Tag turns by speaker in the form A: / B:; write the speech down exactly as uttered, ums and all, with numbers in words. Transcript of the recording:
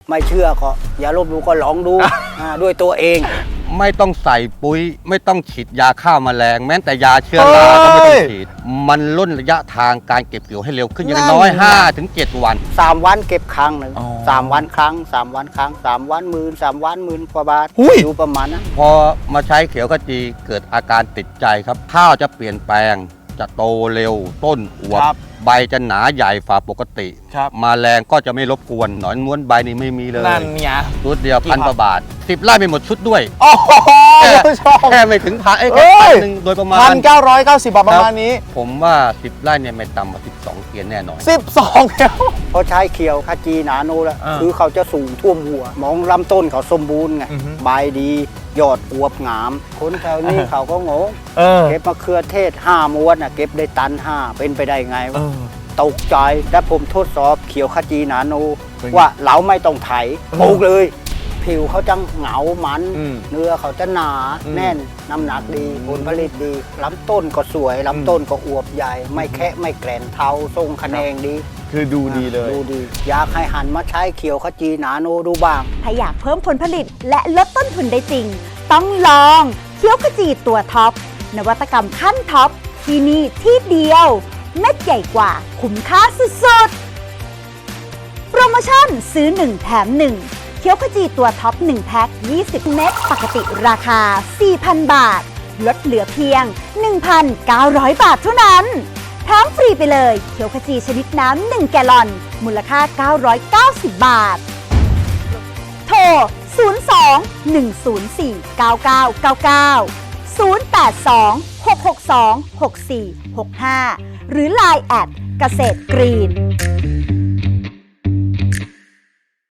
A: ไม่เชื่อก็อย่าลบหลู่ก็ลองดู ด้วยตัวเอง
B: ไม่ต้องใส่ปุ๋ยไม่ต้องฉีดยาฆ่าแมลงแม้แต่ยาเชื้อราก็ไม่ต้องฉีดมันล่นระยะทางการเก็บเกี่ยวให้เร็วขึ้นอย่างน้อย ห้าถึงเจ็ด วัน
A: สามวันเก็บครั้งหนึ่งสามวันครั้งสามวันครั้งสามวันหมื่นสามวันหมื่นกว่าบาทอยู่ประมาณนั้น
B: พอมาใช้เขียวขจีเกิดอาการติดใจครับข้าวจะเปลี่ยนแปลงจะโตเร็วต้นอวบใบจะหนาใหญ่ฝ่าปกติมาแรงก็จะไม่รบกวนหนอนม้วนใบนี่ไม่มีเลย
C: นั่นเนี่ย
B: ชุดเดียวพันกว่าบาทสิบไร่ไม่หมดชุดด้วย
C: โอ้โห
B: แค่ไม่ถึงพันเอ้ยแค่พันหนึ่งโดยประมาณ
C: พันเก้าร้อยเก้าสิบบาทประมาณนี้
B: ผมว่าสิบไร่เนี่ยไม่ต่ำกว่าสิบสองเกียนแน่นอน
C: สิบสองเดียว
A: พอใช้เขียวขจีนาโนแล้วคือเขาจะสูงท่วมหัวมองลำต้นเขาสมบูรณ์ไงใบดียอดอวบงามคนแถวนี้เขาก็งงเก็บมะเขือเทศห้าม้วนเก็บได้ตันห้าเป็นไปได้ไงวะตกใจและผมทดสอบเขียวขจีนาโนว่าเราไม่ต้องไถปลูกเลยผิวเขาจะเหงามันเนื้อเขาจะหนาแน่นน้ำหนักดีผลผลิตดีลำต้นก็สวยลำต้นก็อวบใหญ่ไม่แคะไม่แกรนเทาทรงคะแนงดี
C: คือดูดีเลย
A: ดูดีอยากให้หันมาใช้เขียวขจีนาโนดูบ้าง
D: ถ้าอยากเพิ่มผลผลิตและลดต้นทุนได้จริงต้องลองเขียวขจีตัวท็อปนวัตกรรมขั้นท็อปที่นี่ที่เดียวเม็ดใหญ่กว่าคุ้มค่าสุดๆโปรโมชั่นซื้อหนึ่งแถมหนึ่งเขียวขจีตัวท็อปหนึ่งแพ็คยี่สิบเม็ดปกติราคา สี่พัน บาทลดเหลือเพียง หนึ่งพันเก้าร้อย บาทเท่านั้นแถมฟรีไปเลยเขียวขจีชนิดน้ำหนึ่งแกลลอนมูลค่าเก้าร้อยเก้าสิบ บาทโทรศูนย์ สอง หนึ่ง ศูนย์ สี่ เก้า เก้า เก้า เก้า ศูนย์ แปด สอง หก หก สอง หก สี่ หก ห้าหรือ ไลน์ แอทเกษตรกรีน